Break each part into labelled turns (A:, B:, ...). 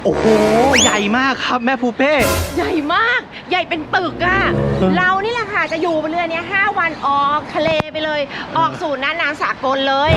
A: โอ้โหใหญ่มากครับแม่ปูเป้
B: ใหญ่มากใหญ่เป็นตึกอะเรานี่แหละค่ะจะอยู่บนเรือนี้5 วันออกทะเลไปเลยออกสู่น่านน้ำสากลเลย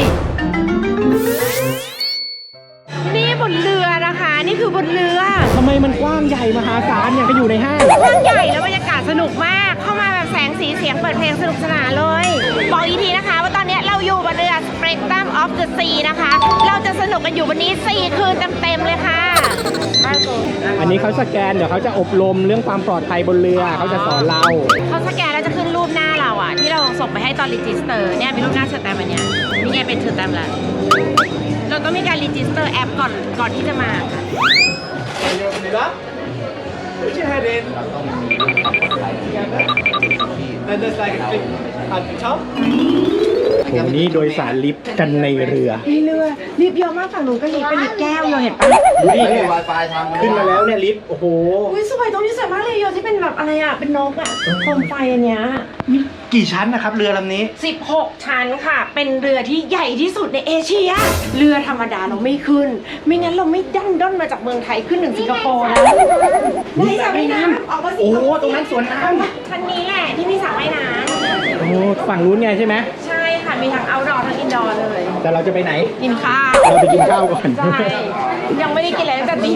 B: นี่บนเรือนะคะนี่คือบนเรือ
A: ทำไมมันกว้างใหญ่มหาศาลอย่างก็อยู่ในห้าง
B: กว้างใหญ่แล้วบรรยากาศสนุกมากเข้ามาแบบแสงสีเสียงเปิดเพลงสนุกสนานเลยบอกอีกทีนะคะว่าตอนนี้เราอยู่บนเรือ Spectrum of the Sea นะคะเราจะสนุกกันอยู่วันนี้4 คืนเต็มๆเลยค่ะ
A: อันนี้เขาสแกนเดี๋ยวเขาจะอบรมเรื่องความปลอดภัยบนเรือเขาจะสอนเรา
B: เขาสแกนแล้วจะขึ้นรูปหน้าเราอะที่เราส่งไปให้ตอนรีจิสเตอร์เนี่ยมีรูปหน้าเชิญแตมอันเนี้ยนี่ไงเป็นเชิญแตมแล้วเราต้องมีการรีจิสเตอร์แอปก่อนที่จะมาค่ะ
C: Put your head in. And there's like a clip at the top.
A: โหนี่โดยสารลิฟต์กันในเรือ
B: มีเรือลิฟต์เยอะมากฝั่งนู้นก็ลิฟต์เป็นลิฟต์แก้วโยเห็นปะ
A: นี่เนี่ยขึ้นมาแล้วเนี่ยลิฟต์โอ้โห
B: อุ้ยสวยตรงนี้สวยมากเลยโยที่เป็นแบบอะไรอะเป็นนกอะโคมไฟอันเนี้ย
A: กี่ชั้นนะครับเรือลำนี้
B: 16 ชั้นค่ะเป็นเรือที่ใหญ่ที่สุดในเอเชียเรือธรรมดาเราไม่ขึ้นไม่งั้นเราไม่ดันด้นมาจากเมืองไทยขึ้นถึงสิงคโปร์แล้วได้สระว่ายน้ำออกมาสิ
A: โอ้โหตรงนั้นสวนน้ำ
B: ชั้นนี้แหละที่มีสระว่ายน้ำ
A: โอ้ฝั่งนู้นไงใช่ไหม
B: ใช่ค่ะมีทั้ง outdoor ทั้ง indoor เลย
A: แต่เราจะไปไหน
B: กินข้าว
A: เราไปกินข้าวก่อน
B: ใช่ยังไม่ได้กินอะไรตั้งแต่ตี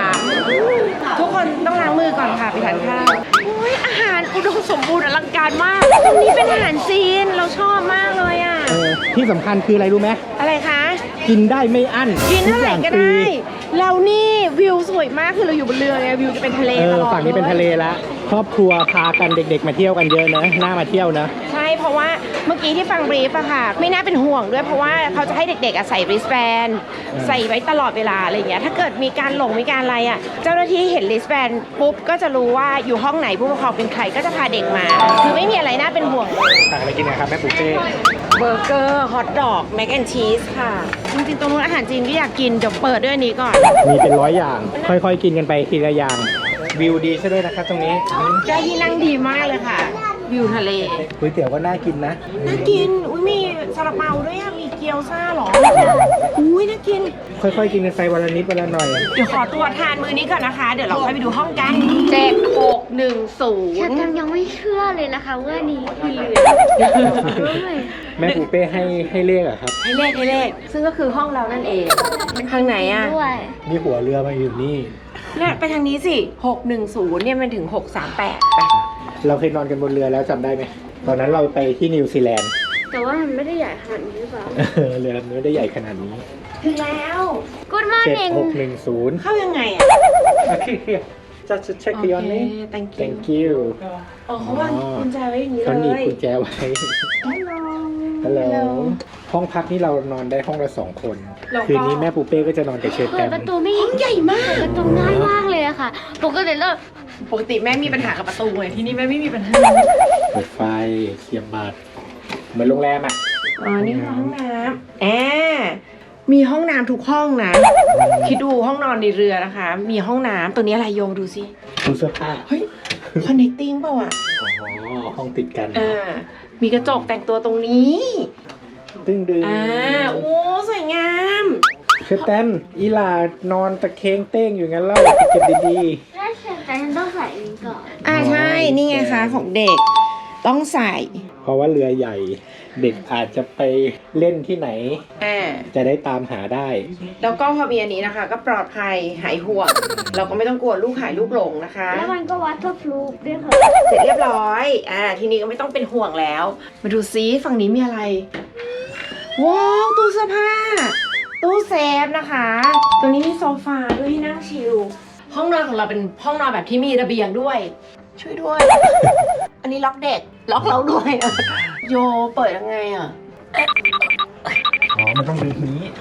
B: 3ทุกคนต้องล้างมือก่อนค่ะไปทานข้าวโอ้ยอาหารอุดมสมบูรณ์อลังการมากตรงนี้เป็นอาหารจีนเราชอบมากเลยอ่ะ
A: ที่สำคัญคืออะไรรู้ไหม
B: อะไรคะ
A: กินได้ไม่อั้น
B: กินเท่าไหร่ก็ได้เรานี่วิวสวยมากคือเราอยู่บนเรือไงวิวจะเป็นทะเลตลอด
A: ฝั่งนี้เป็นทะเลแล้วครอบครัวพากันเด็กๆมาเที่ยวกันเยอะนะน่ามาเที่ยวนะ
B: ใช่เพราะว่าเมื่อกี้ที่ฟังบรีฟอะค่ะไม่น่าเป็นห่วงด้วยเพราะว่าเขาจะให้เด็กๆใส่ริสแบนใส่ไว้ตลอดเวลาอะไรอย่างเงี้ยถ้าเกิดมีการหลงมีการอะไรอะเจ้าหน้าที่เห็นริสแบนปุ๊บก็จะรู้ว่าอยู่ห้องไหนผู้ปกครองเป็นใครก็จะพาเด็กมาคือไม่มีอะไรน่าเป็นห่วงเลย
A: สั่งอะไรกินนะครับแม่ปูเป้
B: เบอร์เกอร์ฮอทดอกแมคแอนชีสค่ะจริงๆตรงนู้นอาหารจีนก็อยากกินเดี๋ยวเปิดด้วยอันนี้ก่อน
A: มีเป็น100 อย่าง ค่อยๆกินกันไปทีละอย่างวิวดีซะด้วยนะครับตรงนี้
B: ได้ที่นั่งดีมากเลยค่ะ วิวทะเล
A: ก๋วยเตี๋ยวก็น่ากินนะ
B: น่ากินอุ้ยมีซาลาเปาด้วยอะมีเกี๊ยวซ่าหรออุ้ยน่ากิน
A: ค่อยๆกินกันไปวันละนิดวันละหน่อย
B: เดี๋ยวขอตัวทานมื้อนี้ก่อนนะคะ เดี๋ยวเราค่อยไปดูห้องกัน
D: ฉัน
B: 7610
D: ยังไม่เชื่อเลยนะคะว่านี่คือเรือ
A: แม่ปูเป้ให้เลขอะครับ
B: ให้เลขซึ่งก็คือห้องเรานั่นเองทางไหนอะ
D: ด้วย
A: มีหัวเรือมาอยู่นี่
B: เนี่ยไปทางนี้สิ610เนี่ยมันถึง638ไป
A: เราเคยนอนกันบนเรือแล้วจำได้ไหมตอนนั้นเราไปที่นิวซีแลนด์
D: แต่ว่ามันไม่ได้ใหญ่ขนาดนี้หรือเปล่า
A: เรือลำนี้ไม่ได้ใหญ่ขนาดนี้
B: ถึงแล้ว
D: Good morning
A: 7610
B: เข้ายังไงอะ
A: โอเค just check your name thank you
B: อ๋อเขาวางกุญแจไว้อย่างนี้เลย
A: เขาหนีบกุญแจไว้ ฮัลโหล ห้องพักนี่เรานอนได้ห้องละ2 คน คืนนี้แม่ปูเป้ก็จะนอนกับเชฟ
D: เปิ
A: แต
D: ด
A: ม
D: ประตูไม่
B: ห้องใหญ่มาก
D: ประตูง่ายมากเลยอะค่ะปกติแล้ว
B: ปกติแม่มีปัญหากับประตูไงที่นี่แม่ไม่มีปัญหา
A: เปิดไฟเสียบบัตรเหมือนโรงแรมอ่ะ
B: อ๋อ นี่คือห้องน้ำมีห้องน้ำทุกห้องนะ คิดดูห้องนอนในเรือนะคะ มีห้องน้ำตัวนี้อะไรโยมดูสิ
A: ตู้เสื้อผ้า
B: เฮ้ย connecting เปล่าอ่ะ
A: อ๋อ ห้องติดกัน
B: มีกระจกแต่งตัวตรงนี้
A: ดึง
B: โอ้ สวยงาม
A: เชฟแตมอีหลานอนตะเคงเต้งอยู่งั้นเล่าเก็บดี
D: น่าเชื่อแต่ฉันต้องใส่อันนี้ก่อน
B: ใช่ นี่ไงคะของเด็ก ต้องใส่
A: ๆ เพราะว่าเรือใหญ่ เด็กอาจจะไปเล่นที่ไหน จะได้ตามหาได้
B: แล้วก็พอมีอันนี้นะคะ ก็ปลอดภัยหายห่วง เราก็ไม่ต้องกลัวลูกหายลูกหลงนะคะ
D: แล้วมันก็วัดทับลูกด้วยค่ะ
B: เสร็จเรียบร้อย ทีนี้ก็ไม่ต้องเป็นห่วงแล้ว มาดูซิฝั่งนี้มีอะไร ว้าว ตู้เสื้อผ้า ตู้เซฟนะคะ ตัวนี้มีโซฟาด้วยที่นั่งชิล ห้องนอนของเราเป็นห้องนอนแบบที่มีระเบียงด้วย ช่วยด้วย อันนี้ล็อกเด็ก ล็อกเราด้วย โยเปิดยังไงอ่ะ
A: อ๋อ มันต้องดึงนี้โถ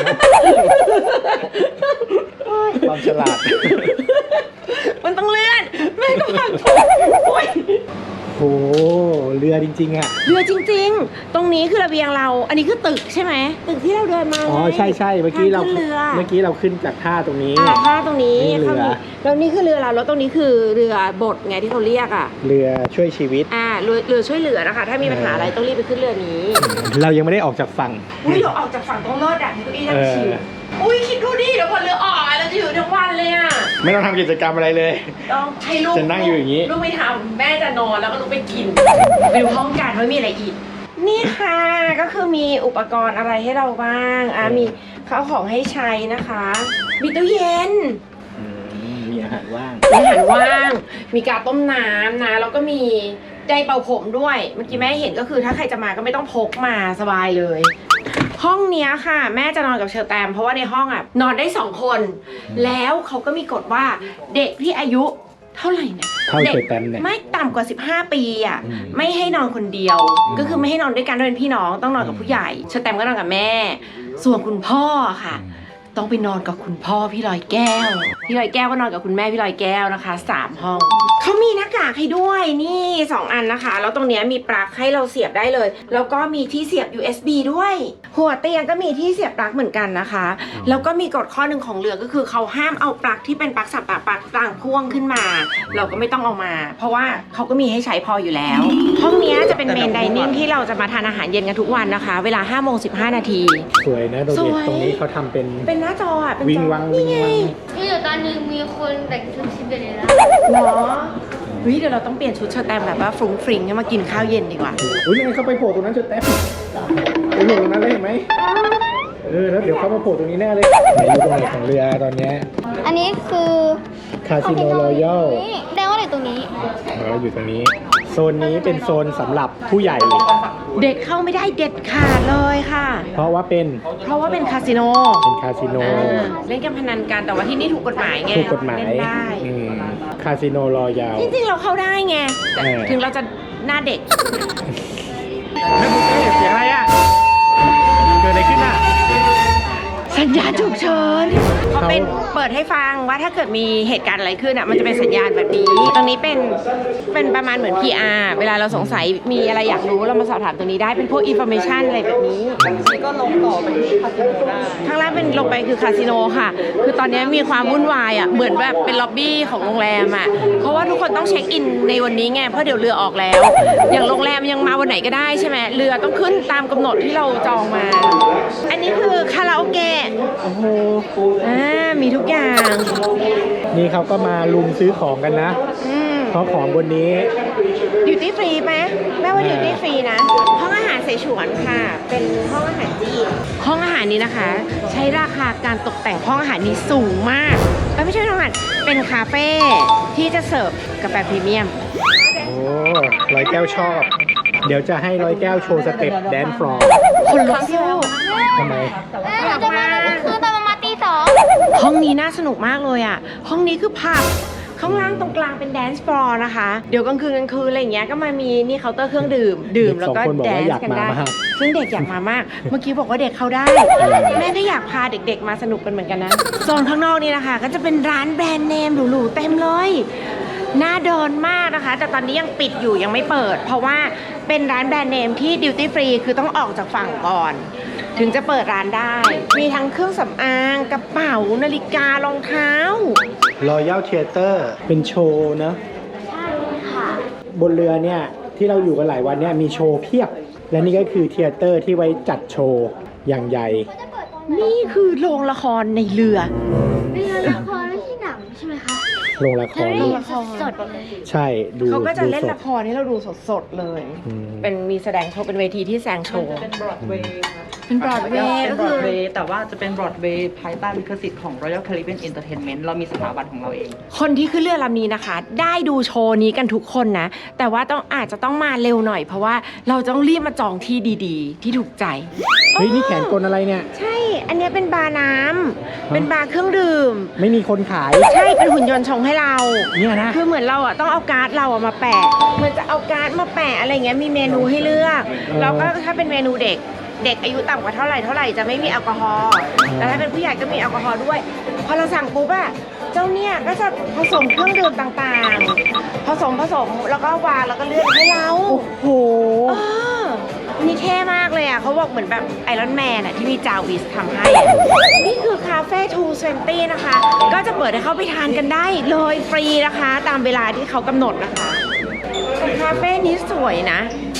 A: ความฉลาด
B: มันต้องเลื่อน แม่ก็พังโอ้ย
A: โอ้เรือจริงๆอ่ะ
B: เรือจริงๆ ตรงนี้คือระเบียงเรา อันนี้คือตึกใช่ไหม ตึกที่เราเดินมา
A: อ๋อ ใช่เมื่อกี้เรา
B: ทงขึ้นเรือ
A: ขึ้นจากท่าตรงนี้
B: ท่าตรงนี้
A: นี่เรือ
B: แล้วนี่คือเรือเรา แล้วตรงนี้คือเรือบดไงที่เขาเรียกอ่ะ
A: เรือช่วยชีวิต
B: เรือช่วยเหลือนะคะ ถ้ามีปัญหาอะไรต้องรีบไปขึ้นเรือนี้
A: เรายังไม่ได้ออกจากฝั่ง
B: อุ้ยเราออกจากฝั่งต้องเลิศอ่ะที่เก้าอี้นั่งชิลอุ้ยคิดดูดิเดี๋ยวพอเรือออกเราจะอยู่ทั้งวันเลยอ่ะ
A: ไม่ต้องทำกิจกรรมอะไรเลย
B: ต้องให้ลูก
A: จะนั่งอยู่อย่างนี้
B: ลูกไม่ทำแม่จะนอนแล้วก็ลูกไปกินไปดูห้องกันว่ามีอะไรอีกนี่ค่ะก็คือมีอุปกรณ์อะไรให้เราบ้างมีข้าวของให้ใช้นะคะมีตู้เย็น
A: มีอาหารว่าง
B: มีอาหารว่างมีกาต้มน้ำนะแล้วก็มีไดร์เป่าผมด้วยเมื่อกี้แม่เห็นก็คือถ้าใครจะมาก็ไม่ต้องพกมาสบายเลย ห้องเนี้ยค่ะแม่จะนอนกับเชอร์แตมเพราะว่าในห้องนอนได้2 คน แล้วเขาก็มีกฎว่าเด็กที่อายุเท่าไหร่เนี่ย
A: เท่าเชอร์แตมเนี่ย
B: ไม่ต่ำกว่า15 ปีไม่ให้นอนคนเดียว ก็คือไม่ให้นอนด้วยกันเป็นพี่น้องต้องนอนกับผู้ใหญ่เชอร์แตมก็นอนกับแม่ ส่วนคุณพ่อค่ะ ต้องไปนอนกับคุณพ่อพี่ลอยแก้วพี่ลอยแก้วก็นอนกับคุณแม่พี่ลอยแก้วนะคะ3 ห้องเขามีหน้ากากให้ด้วยนี่2 อันนะคะแล้วตรงเนี้ยมีปลั๊กให้เราเสียบได้เลยแล้วก็มีที่เสียบ USB ด้วยหัวเตียงก็มีที่เสียบปลั๊กเหมือนกันนะคะแล้วก็มีกฎข้อหนึ่งของเรือก็คือเขาห้ามเอาปลั๊กที่เป็นปลั๊กสับปลั๊กต่างพ่วงขึ้นมา เราก็ไม่ต้องเอามา เพราะว่าเขาก็มีให้ใช้พออยู่แล้วห้องนี้จะเป็นเมนไดนิ่งที่เราจะมาทานอาหารเย็นกันทุกวันนะคะเวลา 5:15 นาที
A: สวยนะโดเด็ตตรงนี้เขาทำเป็น
B: หน้าจอเป็น
A: วิ่
B: จ
A: ง
B: อ
A: วัง
B: นี่ไง
D: มีอยู่ตอนนึงมีคนแต่งชุดซินเดอเรลล่า
B: เนาะเฮ้ยเดี๋ยวเราต้องเปลี่ยนชุดเชอร์แตมแบบว่าฟรุ้งฟริ้งให้มากินข้าวเย็นดีกว่า
A: อุ้ยยังไงเขาไปโผล่ตรงนั้นเชอร์แตมไปโผล่ตรงนั้นเลยเห็นไหมแล้วเดี๋ยวเขามาโผล่ตรงนี้แน่เลยไหนอยู่ตรงไหนของเรือตอนเนี้ย
D: อันนี้คือ
A: คาสิโนรอยัล
D: นี่แสดงว่าอยู่ตรงนี้
A: เราอยู่ตรงนี้ โซนนี้เป็นโซนสำหรับผู้ใหญ่
B: เด็กเข้าไม่ได้เด็ดขาดเลยค่ะ
A: เพราะว่าเป็น
B: เพราะว่าเป็นคาสิโน
A: คาสิโน
B: เล่นการพนันกันแต่ว่าที่นี่ถูกกฎหมายไง
A: ถูกกฎหมาย
B: เล่นได้
A: คาสิโนรอยัล
B: จริงๆเราเข้าได้ไงแต่ถึงเราจะหน้าเด็ก
A: แม่บุฟเฟ่เสียงอะไรอ่ะเกิดอะไรขึ้นอ่ะ
B: สัญญาณฉุกเฉินเขาเป็นเปิดให้ฟังว่าถ้าเกิดมีเหตุการณ์อะไรขึ้นมันจะเป็นสัญญาณแบบนี้ ตรงนี้เป็นประมาณเหมือน PR เวลาเราสงสัยมีอะไรอยากรู้เรามาสอบถามตรงนี้ได้เป็นพวก information อะไรแบบนี้ก็ลงต่อไปที่คาสิโนได้ข้างล่างเป็นลงไปคือคาสิโนค่ะ คือตอนนี้มีความวุ่นวายเหมือนแบบเป็นล็อบบี้ของโรงแรมเพราะว่าทุกคนต้องเช็คอินในวันนี้ไงเพราะเดี๋ยวเรือออกแล้ว อย่างโรงแรมยังมาวันไหนก็ได้ใช่ไหมเรือต้องขึ้นตามกำหนดที่เราจองมา อันนี้คือคาราโอเกะโอ้โหมีทุกอย่าง
A: นี่เขาก็มาลุมซื้อของกันนะ เพราะของบนนี้
B: ดิวตี้ฟรีไหมแม่ว่าดิวตี้ฟรีนะ ห้องอาหารเสฉวนค่ะ เป็นห้องอาหารจีนห้องอาหารนี้นะคะ ใช้ราคาการตกแต่งห้องอาหารนี้สูงมากไม่ใช่ห้องอาหารเป็นคาเฟ่ที่จะเสิร์ฟกาแฟพรีเมียม
A: โอ้ร้อยแก้วชอบ เดี๋ยวจะให้ร้อยแก้วโชว์สเต็ปแดนฟลอร์
B: คนลุกสู้
A: ทำไม
D: เราจะมาคือตอนประมาณตี 2
B: ห้องนี้น่าสนุกมากเลยห้องนี้คือผับข้างล่างตรงกลางเป็นแดนซ์ฟลอร์นะคะเดี๋ยวกลางคืนอะไรอย่างเงี้ยก็มามีนี่เคาน์เตอร์เครื่องดื่มแล้วก็แดนซ์กันได้ซึ่งเด็กอยากมามากเมื่อกี้บอกว่าเด็กเข้าได้แม่ก็อยากพาเด็กๆมาสนุกกันเหมือนกันนะโซนข้างนอกนี่นะคะก็จะเป็นร้านแบรนด์เนมหรูๆเต็มเลยน่าเดินมากนะคะแต่ตอนนี้ยังปิดอยู่ยังไม่เปิดเพราะว่าเป็นร้านแบรนด์เนมที่ดิวตี้ฟรีคือต้องออกจากฝั่งก่อนถึงจะเปิดร้านได้มีทั้งเครื่องสำอางกระเป๋านาฬิการองเท้า
A: Royal Theater เป็นโชว์เนอะ
D: ใช่ค่ะ
A: บนเรือเนี่ยที่เราอยู่กันหลายวันเนี่ยมีโชว์เพียบ และนี่ก็คือเธียเตอร์ที่ไว้จัดโชว์อย่างใหญ่
B: นี่คือโรงละครในเรือ
D: เป็นละครไม่ใช่หนังใช่ไหมคะ
A: โรงละคร
D: แล้วนี่สดเลย
A: ใช่ดู
B: เขาก็จะเล่น
A: ดูสด
B: ละครให้เราดูสดๆเลย เป็นมีแสดงโชว์เป็นเวทีที่แสดงโชว์
E: เป็นบรอดเวย์ค่ะ
B: เป็นบรอดเวย์
E: เป็
B: ก็
E: นบร
B: คือ
E: อดเวย์แต่ว่าจะเป็นบรอดเวย์ภายใต้ลิขสิทธิ์ของ Royal Caribbean Entertainment เรามีสถาบันของเราเอง
B: คนที่ขึ้นเรือลำนี้นะคะ ได้ดูโชว์นี้กันทุกคนนะ แต่ว่าอาจจะต้องมาเร็วหน่อย เพราะว่าเราต้องรีบมาจองที่ดีๆ ที่ถูกใจ
A: เฮ้ยนี่แขนกลอะไรเนี่ย
B: ใช่ อันเนี้ยเป็นบาร์น้ำเป็นบาร์เครื่องดื่ม
A: ไม่มีคนขาย
B: ใช่ เป็นหุ่นยนต์ชงให้เรา
A: เนี่ยนะ
B: คือเหมือนเราต้องเอาการ์ดเรามาแปะ เหมือนจะเอาการ์ดมาแปะอะไรเงี้ย มีเมนูให้เลือก แล้วก็ถ้าเป็นเมนูเด็กอายุต่ำกว่าเท่าไหร่จะไม่มีแอลกอฮอล์ แต่ถ้าเป็นผู้ใหญ่ก็มีแอลกอฮอล์ด้วย พอเราสั่งปุ๊บเจ้าเนี่ยก็จะผสมเครื่องดื่มต่างๆ ผสมแล้วก็วางแล้วก็เลือกให้เรา
A: โอ้โห
B: นี่เท่มากเลยเขาบอกเหมือนแบบไอรอนแมนที่มีจาวิสทำให้นี่คือคาเฟ่220นะคะ ก็จะเปิดให้เข้าไปทานกันได้เลยฟรีนะคะ ตามเวลาที่เขากำหนดนะคะแต่คาเฟ่นี้สวยนะ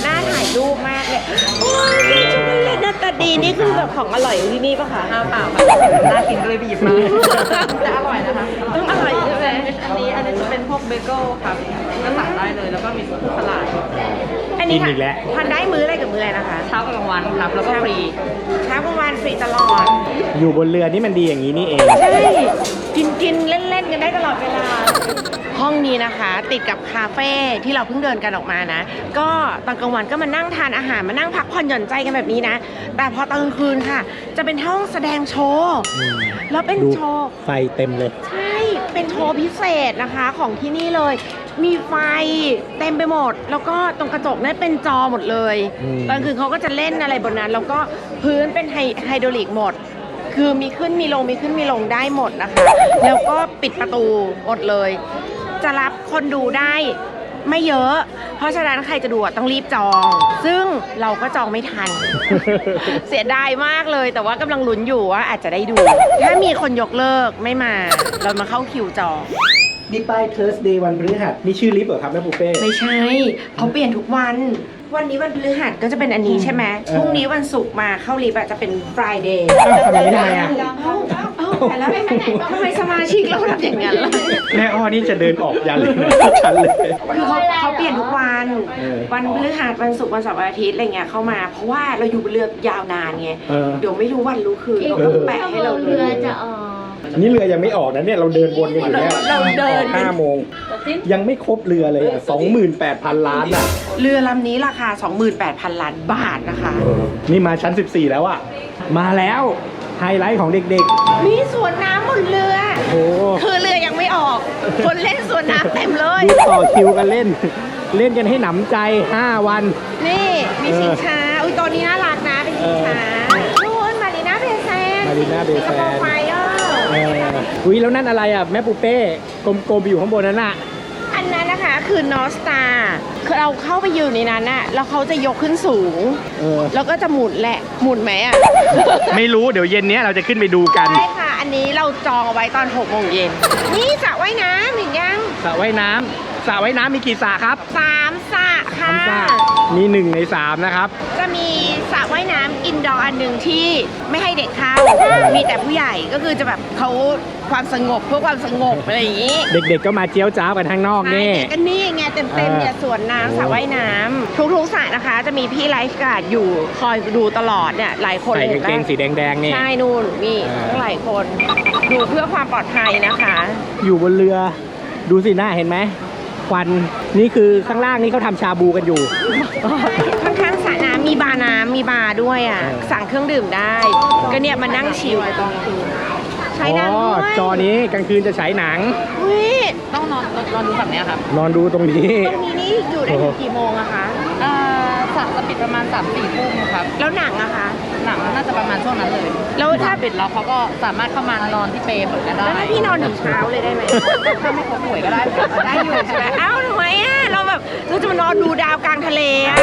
B: น่าถ่ายรูปมากเลยโอ้ยช็อกโกแลตหน้าตาดีนี่คือแบบของอร่อยอยู่ที่นี่ปะคะ
E: เปล่าค่ะน่ากินก็เลยไปหยิบมาแต่อร่อยนะคะ
B: ต้องอร่อยใช่ไหม
E: อันนี้จะเป็นพวกเบเกิลครับก็สั่งได้เลยแล้วก็มีพวกสลัด
B: อันนี้
A: กินอีกแล้ว
B: ทานได้มื้ออะไรกับมื้ออะไรนะคะ
E: เช้ากับกลางวันครับแล้วก็ฟรี
B: เช้ากลางวันฟรีตลอด
A: อยู่บนเรือนี่มันดีอย่างนี้นี่เอง
B: ใช่ กินเล่นๆกันได้ตลอดเวลา ห้องนี้นะคะ ติดกับคาเฟ่ที่เราเพิ่งเดินกันออกมานะ ก็ตอนกลางวันก็มานั่งทานอาหารมานั่งพักผ่อนหย่อนใจกันแบบนี้นะ แต่พอตอนกลางคืนค่ะ จะเป็นห้องแสดงโชว์แล้วเป็น
A: ดู
B: โชว์
A: ไฟเต็มเลย
B: ใช่ เป็นโชว์พิเศษนะคะของที่นี่เลย มีไฟเต็มไปหมด แล้วก็ตรงกระจกนั้นเป็นจอหมดเลย
A: อืม
B: ตอนคืนเขาก็จะเล่นอะไรบนนั้น แล้วก็พื้นเป็นไฮโดรลิกหมด คือมีขึ้นมีลงมีขึ้นมีลงได้หมดนะคะ แล้วก็ปิดประตูหมดเลย จะรับคนดูได้ไม่เยอะ เพราะฉะนั้นใครจะดูอะต้องรีบจอง ซึ่งเราก็จองไม่ทัน เสียดายมากเลย แต่ว่ากำลังลุ้นอยู่ว่าอาจจะได้ดู ถ้ามีคนยกเลิกไม่มา เรามาเข้าคิวจอง
A: นี่ป้าย Thursday วันพฤหัสนี่ชื่อลิฟต์เหรอครับแม่ปูเป้
B: ไม่ใช่เขาเปลี่ยนทุกวัน วันนี้วันพฤหัสก็จะเป็นอันนี้ใช่ไหมพรุ่งนี้วันศุกร์มาเข้าลิฟต์อะจะเป็น Friday
A: อ้าวทำอย่างนี้ทำไมอ่ะ
B: เอ้าแต่แล้วทำไมสมาชิกเราทำอย่างนั้นล่ะ
A: แม่อ้อนี่จะเดินออกยันเลยนะฉันเลย
B: คือเขาเปลี่ยนทุกวัน
A: เออ
B: วันพฤหัสวันศุกร์วันเสาร์วันอาทิตย์อะไรเงี้ยเข้ามา เพราะว่าเราอยู่บนเรือยาวนานไง
A: เออ
B: เดี๋ยวไม่รู้วันรู้คืนเราต้องแปะให้เราเล
D: เรือย จะออก
A: นี่เรือยังไม่ออกนะเนี่ยเราเดินวนกันอยู่เนี่ย
B: เราเดิน
A: 5 โมง ยังไม่ครบเรือเลยอ่ะ 28,000 ล้านอ่ะ
B: เรือลำนี้ราคา 28,000 ล้านบาทนะคะ
A: นี่มาชั้น 14 แล้วอ่ะ มาแล้วไฮไลท์ของเด็ก
B: มีสวนน้ำบนเรือ
A: ๆ โอ้
B: คือเรือยังไม่ออก คนเล่นสวนน้ำเต็มเลย
A: ดูต่อคิวกันเล่น เล่นกันให้หนำใจ 5 วัน
B: นี่มีชิงช้า อุ้ยตัวนี้น่ารักนะเป็นชิงช้านู่นมารีน่าเบย์แซน
A: Marina Bay Sands
B: สิงคโปร์ไฟเออร์
A: อุ้ยแล้วนั่นอะไรอ่ะ แม่ปูเป้กลมๆอยู่ข้างบนนั้นอ่ะ
B: อันนั้นนะคะคือนอสตาคือเราเข้าไปยืนในนั้นน่ะแล้วเขาจะยกขึ้นสูง
A: เออ
B: แล้วก็จะหมุนแหละ หมุนไหมอ่ะ
A: ไม่รู้เดี๋ยวเย็นนี้เราจะขึ้นไปดูกัน
B: ใช่ค่ะ อันนี้เราจองเอาไว้ตอน6 โมงเย็น นี่สระว่ายน้ำเห็นยัง
A: สระว่ายน้ำสระว่ายน้ำมีกี่สระครับ
B: 3 สระค่ะ
A: 3 สระมี1 ใน 3 นะครับ
B: จะมีสระว่ายน้ำอินดอร์อันหนึ่งที่ไม่ให้เด็กเข้า มีแต่ผู้ใหญ่ก็คือจะแบบเขาความสงบเพื่อความสงบอะไรอย่างนี้
A: เด็กๆก็มาเจียวจ้าวกันข้างนอกนี่
B: ใช่เด็กก็นี่ไงเต็มๆเนี่ยสวนน้ำสระว่ายน้ำทุกๆสระนะคะ จะมีพี่ไลฟ์การ์ดอยู่คอยดูตลอดเนี่ยหลายคน
A: ใส่
B: เลย
A: กางเกงสีแดงๆนี่
B: ใช่นู่นมีทั้งหลายคนดูเพื่อความปลอดภัยนะคะ
A: อยู่บนเรือดูสิหน้าเห็นไหมควันนี่คือข้างล่างนี่เขาทำชาบูกันอยู่
B: ข้างๆสระน้ำมีบาร์น้ำมีบาร์ด้วยอ่ะ สั่งเครื่องดื่มได้ ก็เนี่ยมานั่งชิลใช้
A: อ๋อ
B: น้ำด้วย
A: จอนี้กลางคืนจะฉายหนัง
B: อุ๊ย
E: ต้องนอนดูแบบเนี้ยครับ
A: นอนดูตรงนี้
B: ตรงนี้นี่อยู่ได้ถึงกี่โมงอะคะ
E: สระจะปิดประมาณ 3-4 ทุ่มครับ
B: แล้วหนังอะคะ
E: หนังน่าจะประมาณช่วงนั้นเลย
B: แล้วถ้า
E: ปิดแล้วเขาก็สามารถเข้ามานอนที่เปรย์เหมือนกันได้
B: แล้วถ้าพี่นอนถึงเช้าเลยได้ไหม
E: ถ้าไม่ครบหน่วยก็ได้
B: ได้อยู่ใช่ไหมเอ้าทำไมอะเราแบบเราจะมานอนดูดาวกลางทะเลอะ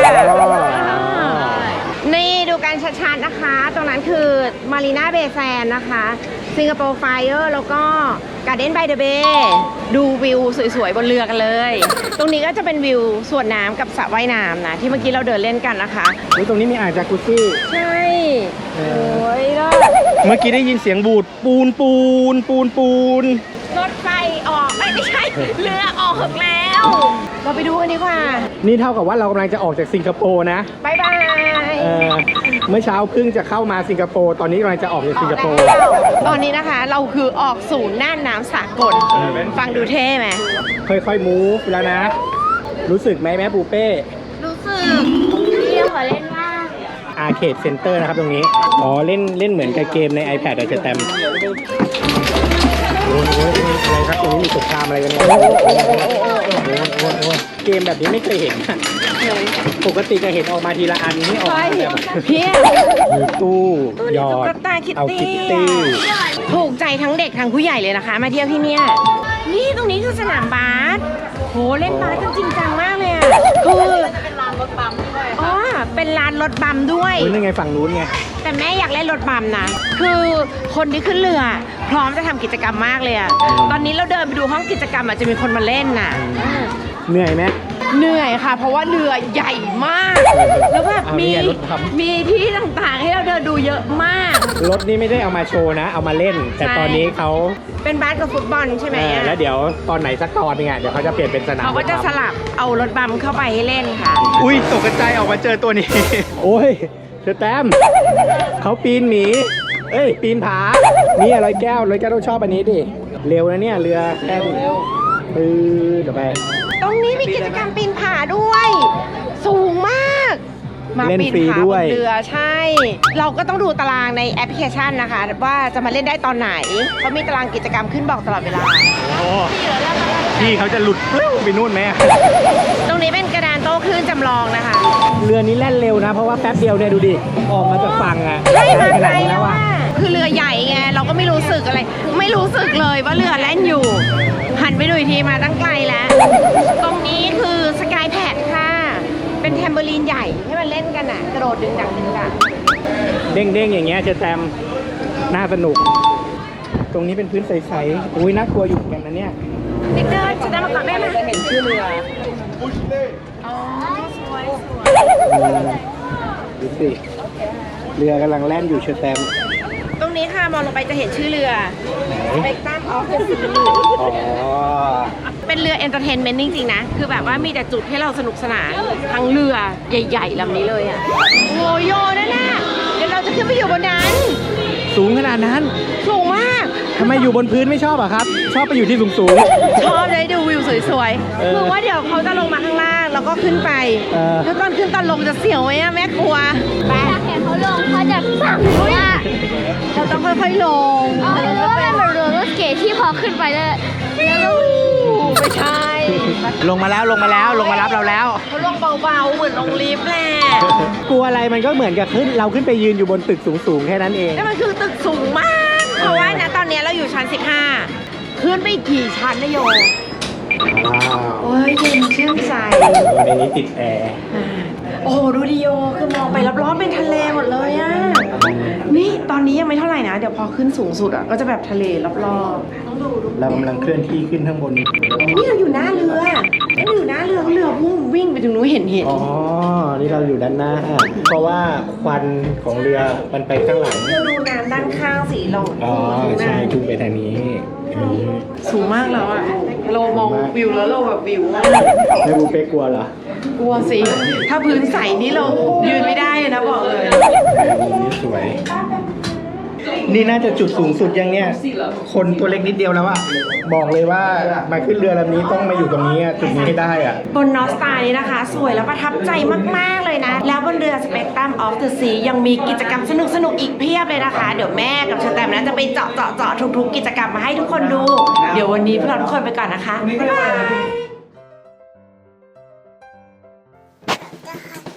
B: นี่ดูกันชัดๆนะคะ ตรงนั้นคือมารีนาเบย์แซนนะคะสิงคโปร์ไฟเออร์แล้วก็การ์เด้นบายเดอะเบย์ดูวิวสวยๆบนเรือกันเลย ตรงนี้ก็จะเป็นวิวสวนน้ำกับสระว่ายน้ำนะ ที่เมื่อกี้เราเดินเล่นกันนะคะ
A: อุ๊ยตรงนี้มีอ่างจากุซี่
B: ใช่โอ้ยเลิศ
A: เมื่อกี้ได้ยินเสียงบูดปูน
B: รถไฟออกไม่ใช่ เรือออกแล้ว เราไปดูกันดีกว่า
A: นี่เท่ากับว่าเรากำลังจะออกจากสิงคโปร์นะ
B: บายบาย
A: เมื่อเช้าเพิ่งจะเข้ามาสิงคโปร์ตอนนี้กำลังจะออกจากสิงคโปร์
B: ตอนนี้นะคะเราคือออกสู่น่านน้ำสากล ฟังดูเท่ไหม
A: ค่อยๆมูฟแล้วนะ รู้สึกไหมแม่ปูเป้
D: รู้สึกพี่ขอเล่นมาก
A: อาร์เคดเซ็นเตอร์นะครับตรงนี้ อ๋อเล่นเหมือนกับเกมใน iPad อาจจะแตมโอ้ยอะไรครับตรงนี้มีสงครามอะไรกันเนี่ยเกมแบบนี้ไม่เคยเห็นอะปกติจะเห็นออกมาทีละอันนี่ออกมาแบบ
B: เพี้ย
A: มีตู้หยอ
B: ตุ๊
A: ด
B: กตาคิต
A: เอา
B: ตี้
A: คิตตี้
B: ถูกใจทั้งเด็กทั้งผู้ใหญ่เลยนะคะ มาเที่ยวที่เนี่ยนี่ตรงนี้คือสนามบาสโหเล่นบาสกันจริงจังมากเลยอ่ะคือเป็นลานรถบัมด้วยอ๋อเป็นลานรถบัมด้วย
A: คุณยังไงฝั่งนู้นไง
B: แต่แม่อยากเล่นรถบัมนะ คือคนที่ขึ้นเรือ พร้อมจะทำกิจกรรมมากเลยอะตอนนี้เราเดินไปดูห้องกิจกรรมอาจจะมีคนมาเล่นน่ะ
A: เหนื่อยไหม
B: เหนื่อยค่ะ เพราะว่าเรือใหญ่มาก แล้วแบบ
A: เอานี่ไงรถทำ
B: มีที่ต่างๆให้เราเดินดูเยอะมาก
A: รถนี่ไม่ได้เอามาโชว์นะ เอามาเล่น แต่
B: ใช่
A: ตอนนี้เขา
B: เป็นบาสกับฟุตบอลใช่ไหมอะ
A: แล้วเดี๋ยวตอนไหนสักตอนนึงอ่ะเดี๋ยวเขาจะเปลี่ยนเป็นสนาม
B: เขาก็จะสลับเอารถบัมเข้าไปให้เล่นค่ะ
A: อุ้ยตกใจออกมาเจอตัวนี้ โอ้ยเชอแตมเขาปีนหมีเอ้ยปีนผานี่ร้อยแก้วต้องชอบอันนี้ดิเร็วนะเนี่ยเรือแค่เดี๋ยวไป
B: ตรงนี้มีกิจกรรมปีนผาด้วย สูงมาก มา
A: เล่น
B: ปีน
A: ฟรี
B: ผา
A: ด้
B: บ
A: วย
B: นเรือใช่ เราก็ต้องดูตารางในแอปพลิเคชันนะคะ ว่าจะมาเล่นได้ตอนไหนเขามีตารางกิจกรรมขึ้นบอกตลอดเวลา
A: โอ้พี่เขาจะหลุดปลิ้วไปนู่นไหมอะ
B: ตรงนี้เป็นกระดานโต้คลื่นจำลองนะคะ
A: เรือนี้แล่นเร็วนะ เพราะว่าแป๊บเดียวเนี่ยดูดิออกมาจากฝั่งอ่ะ
B: ใช่มา
A: ข
B: ไกล
A: นาดนี้
B: แล้
A: แล้ว ว
B: ว่า
A: อ่ะ
B: คือเรือใหญ่ไงเราก็ไม่รู้สึกอะไร ไม่รู้สึกเลยว่าเรือแล่นอยู่ หันไปดูอีกทีมาตั้งไกลแล้ว ตรงนี้คือสกายแพดค่ะ เป็นแทมเบอรีนใหญ่ให้มันเล่นกันอ่ะ กระโดดดึงดังดึงดัง
A: เด้งๆอย่างเงี้ยเชอแตมน่าสนุก ตรงนี้เป็นพื้นใสๆอุ้ยน่ากลัวอยู่เหมือนกันนะเนี่ย
B: เด็กเดินจะได้มาก่อนได้ไหม
E: จะเห็นชื่อเรือ
B: อ๋อสวย
A: ดูสิเรือกำลังแล่นอยู่เชอแตม
B: ตรงนี้ค่ะมองลงไปจะเห็นชื่อเรือ Spectrum of the Sea
A: อ๋อ
B: เป็นเรือเอนเตอร์เทนเมนต์จริงๆนะ คือแบบว่ามีแต่จุดให้เราสนุกสนานทั้งเรือใหญ่ๆลำนี้เลยอ่ะโอ้โยนั่นน่ะเดี๋ยวเราจะขึ้นไปอยู่บนนั้น
A: สูงขนาดนั้น
B: สูงมาก
A: ทำไมอยู่บนพื้นไม่ชอบอะครับ ชอบไปอยู่ที่สูง
B: ชอบเลยดูวิวสวย
A: เออ
B: ๆคือว่าเดี๋ยวเขาจะลงมาข้างล่างแล้วก็ขึ้นไป
A: เออ
B: แล้วตอนขึ้นตอนลงจะเสียวไหมอะแม่ครัวไป
D: ถ้าเห็นเขาลงเขาจะสั่งว่า
B: เราต้องค่อยๆลง
D: อ๋อหรือว่าเป็นแบบเรือรถเก๋ที่พอขึ้นไปแล้วแล้ว
B: ไม่ใช่
A: ๆ ลงมาแล้วลงมารับเราแล้ว
B: เขาลงเบาๆเหมือนลงลิฟต์แหละ
A: กลัวอะไรมันก็เหมือนกับขึ้นเราขึ้นไปยืนอยู่บนตึกสูงๆแค่นั้นเอง
B: แต่มันคือตึกสูงมาก เพราะว่านะตอนนี้เราอยู่ชั้น 15 ขึ้นไปอีกกี่ชั้นนะโย
A: ว้าว
B: โอ้ยเย็นชื่นใจ
A: ในนี้ติดแอร์
B: โอ้โหดูดิโยคือมองไปรอบๆเป็นทะเลหมดเลยอะนี่ตอนนี้ยังไม่เท่าไหร่นะ เดี๋ยวพอขึ้นสูงสุดอะก็จะแบบทะเลรอบๆต้องดู
A: เรากำลังเคลื่อนที่ขึ้นข้างบน
B: นี่เราอยู่หน้าเรือเราอยู่หน้าเรือเรือพุ่งวิ่งไปถึงนู้นเห็น
A: อ๋อ นี่เราอยู่ด้านหน้า เพราะว่าควันของเรือมันไปข้างหลัง
B: เราดูน้ำด้านข้างสิเรา
A: อ๋อ ใช่ทุ่งไปทางนี้
B: สูงมากแล้วอะเรามองวิวแล้วเราแบบวิวอะ
A: ไม่บูเป้กลัวเหรอ
B: กลัวสิ ถ้าพื้นใสนี่เรายืนไม่ได้เลยนะบอกเลย
A: นี่สวย นี่น่าจะจุดสูงสุดยังเนี่ย คนตัวเล็กนิดเดียวแล้วอะบอกเลยว่ามาขึ้นเรือลำนี้ต้องมาอยู่ตรงนี้อะจุดนี้ให้ได้อะ
B: บนนอสตานี้นะคะ สวยและประทับใจมาก ๆ เลยนะ แล้วบนเรือ Spectrum of the Sea ยังมีกิจกรรมสนุก ๆ อีกเพียบเลยนะคะ เดี๋ยวแม่กับเชอแตมนะจะไปเจาะทุก ๆ กิจกรรมมาให้ทุกคนดู เดี๋ยววันนี้พวกเราทุกคนไปก่อนนะคะ บ๊ายบาย